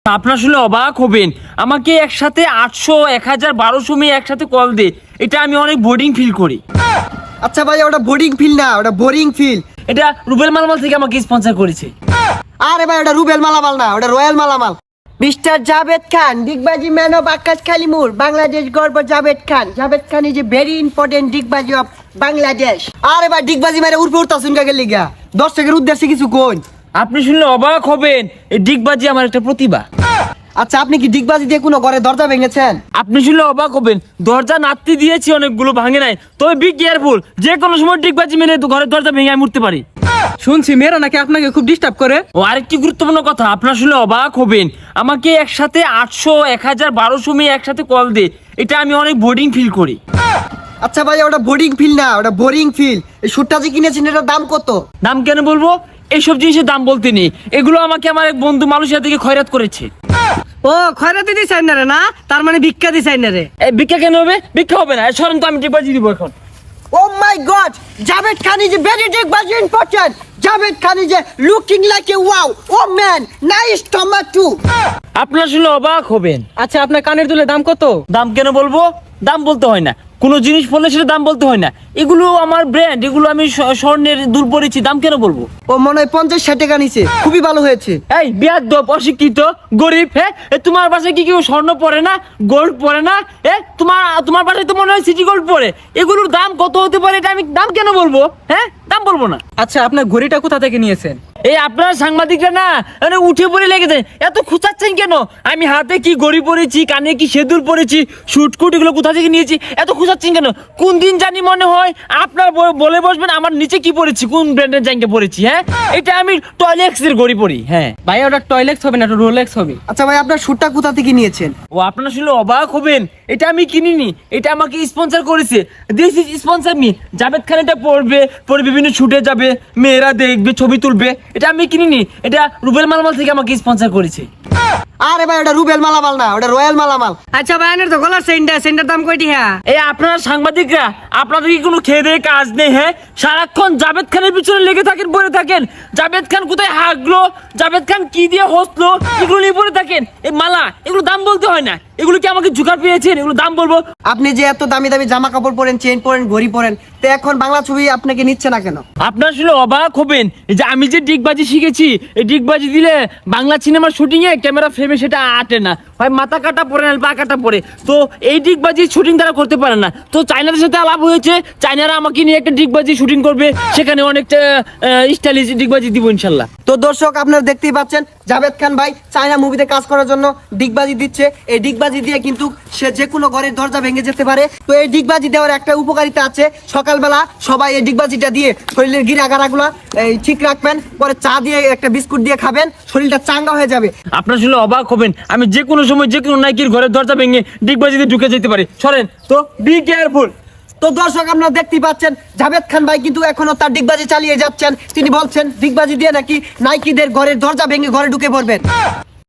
আপনার শুনে অবাক হবেন, আমাকে একসাথে 800, 1000, 1200 মেয়ে একসাথে কল দে। এটা আমি অনেক বোরিং ফিল করি। আচ্ছা ভাই, ওটা বোরিং ফিল না, ওটা বোরিং ফিল। এটা রুবেল মালামাল থেকে আমাকে স্পন্সর করেছে। আরে ভাই, ওটা রুবেল মালামাল না, ওটা রয়্যাল মালামাল। মিস্টার জাভেদ খান, ডিগবাজি ম্যান অফ আকাশ খালিমুর, বাংলাদেশ গর্ব Javed Khan. Javed Khan is a very important ডিগবাজি অফ বাংলাদেশ। আরে ভাই, ডিগবাজি মেরে উর্ফে উঠতাছুন কাকে লিগা? দর্শকের উদ্দেশ্যে কিছু কোন। আপনি শুনলে অবাক হবেন, এই ডিগবাজি আমার একটা প্রতিভা। আচ্ছা, আপনি কি ডিগবাজি দিয়ে কোনো ঘরে দরজা ভেঙেছেন? আপনি শুনলে অবাক হবেন, দরজা নাড়তে দিয়েছি, অনেকগুলো ভাঙে নাই। তবে বি কেয়ারফুল, যে কোনো সময় ডিগবাজি মেরে ঘরের দরজা ভেঙে আমি উঠতে পারি। শুনছি মেয়েরা নাকি আপনাকে খুব ডিস্টার্ব করে। ও আরেকটি গুরুত্বপূর্ণ কথা, আপনার শুনলে অবাক হবেন, আমাকে একসাথে 800, 1000, 1200 মেয়ে একসাথে কল দে। এটা আমি অনেক বোরিং ফিল করি। আচ্ছা ভাই, ওটা বোরিং ফিল না, ওটা বোরিং ফিল। এই শুটটা যে কিনেছেন, এটার দাম কত? দাম কেন বলবো? এইসব জিনিসের দাম বলতে নেই, এগুলো আমাকে আমার এক বন্ধু মালয়েশিয়া থেকে খয়রাত করেছে। ও খয়রাতি দিছাই না রে? না, তার মানে ভিক্ষা দিছাই না রে? এই ভিক্ষা কেন হবে? ভিক্ষা হবে না, সরেন তো, আমি ডিগবাজি দিব এখন। Oh my God! Javed Khan is a very digbaji important. Javed Khan is a looking like a wow. Oh man, nice tomato. আপনার শুনলে অবাক হবেন। আচ্ছা, আপনার কানের দুলের দাম কত? দাম কেন বলবো? দাম বলতে হয় না, কোনো জিনিস পড়লে সেটা দাম বলতে হয় না। এগুলো আমার ব্র্যান্ড, এগুলো আমি স্বর্ণের দুল পরেছি, দাম কেন বলবো? ও মনে হয় 50-60 টাকা নিচে। খুবই ভালো হয়েছে। এই বিয়াদব, অশিক্ষিত, গরিব, হ্যাঁ? তোমার বাসায় কি কেউ স্বর্ণ পরে না, গোল্ড পরে না? তোমার বাসায় তো মনে হয় সিটি গোল্ড পরে। এগুলোর দাম কত হতে পারে, এটা আমি দাম কেন বলবো? হ্যাঁ, দাম বলবো না। আচ্ছা, আপনার ঘড়িটা কোথা থেকে নিয়েছেন? এই আপনার সাংবাদিকরা না, মানে উঠে পড়ে লেগেছে, এত খুঁচাচ্ছেন কেন? আমি হাতে কি ঘড়ি পরেছি, কানে কি সেদুর পরেছি, শুটকুট, এগুলো কোথা থেকে নিয়েছি, এত খুঁচাচ্ছেন কেন? কোন দিন জানি মনে হয় আপনার বলে বসবেন আমার নিচে কি পরেছি, কোন ব্র্যান্ডের জাঙ্গে পরেছি। হ্যাঁ, এটা আমি টয়লেক্স এর ঘড়ি পরি। হ্যাঁ ভাই, ওটা টয়লেক্স হবে না, ওটা রোলেক্স হবে। আচ্ছা ভাই, আপনার শুটটা কোথা থেকে নিয়েছেন? ও আপনারা শুনলে অবাক হবেন, এটা আমি কিনিনি, এটা আমাকে স্পন্সর করেছে। This is sponsor me. Javed Khan এটা পরে বিভিন্ন শুটে যাবে, মেয়েরা দেখবে, ছবি তুলবে। এটা আমি কিনিনি, এটা রুবেল মালামাল থেকে আমাকে স্পন্সর করেছে। আরে ভাই, ওটা রুবেল মালামাল না, ওটা রয়্যাল মালামাল। আচ্ছা ভাই, আনের তো গলার সেন্টার দাম কয়টি? হ্যাঁ, এই আপনারা সাংবাদিকরা, আপনাদের কি কোনো খেয়ে দেয়ে কাজ নেই? হ্যাঁ, সারাক্ষণ জাভেদ খানের পিছনে লেগে থাকেন, পড়ে থাকেন। জাভেদ খান কোথায় হাগলো, জাভেদ খান কি দিয়ে হসলো, এগুলো নিয়ে পড়ে থাকেন। এই মালা, এগুলো দাম বলতে হয় না। এগুলো কি আমাকে জোগাড় পেয়েছেন? এগুলো দাম বলবো? আপনি যে এত দামি দামি জামা কাপড় পরেন, চেইন পরেন, ঘড়ি পরেন, তো এখন বাংলা ছবি আপনাকে নিচ্ছে না কেন? আপনার শুনে অবাক হবেন, যে আমি যে ডিগবাজি শিখেছি, এই ডিগবাজি দিলে বাংলা সিনেমার শুটিং এ ক্যামেরা ফ্রেমে সেটা আটে না, হয় মাথা কাটা পড়ে না, পা কাটা পড়ে। তো এই ডিগবাজি শুটিং তারা করতে পারে না। তো চাইনাদের সাথে আলাপ হয়েছে, চাইনারা আমাকে নিয়ে একটা ডিগবাজি শুটিং করবে, সেখানে অনেকটা স্টাইলিশ ডিগবাজি দিব ইনশাল্লাহ। তো দর্শক, আপনারা দেখতেই পাচ্ছেন জাভেদ খান ভাই চায়না মুভিতে কাজ করার জন্য ডিগবাজি দিচ্ছে। এই ডিগবাজি দিয়ে কিন্তু সে যে কোনো ঘরের দরজা ভেঙে যেতে পারে। তো এই ডিগবাজি দেওয়ার একটা উপকারিতা আছে, সকালবেলা সবাই এই ডিগবাজিটা দিয়ে শরীরের গিরাগারাগুলো ঠিক রাখবেন, পরে চা দিয়ে একটা বিস্কুট দিয়ে খাবেন, শরীরটা চাঙ্গা হয়ে যাবে। আপনার শুনে অবাক হবেন, আমি যে কোনো সময় যে কোনো নাইকির ঘরের দরজা ভেঙে ডিগবাজিতে ঢুকে যেতে পারি। সরেন তো, বি কেয়ারফুল। তো দর্শক, আপনারা দেখতেই পাচ্ছেন জাভেদ খান ভাই কিন্তু এখনো তার ডিগবাজি চালিয়ে যাচ্ছেন। তিনি বলছেন ডিগবাজি দিয়ে নাকি নাইকিদের ঘরের দরজা ভেঙে ঘরে ঢুকে পড়বেন।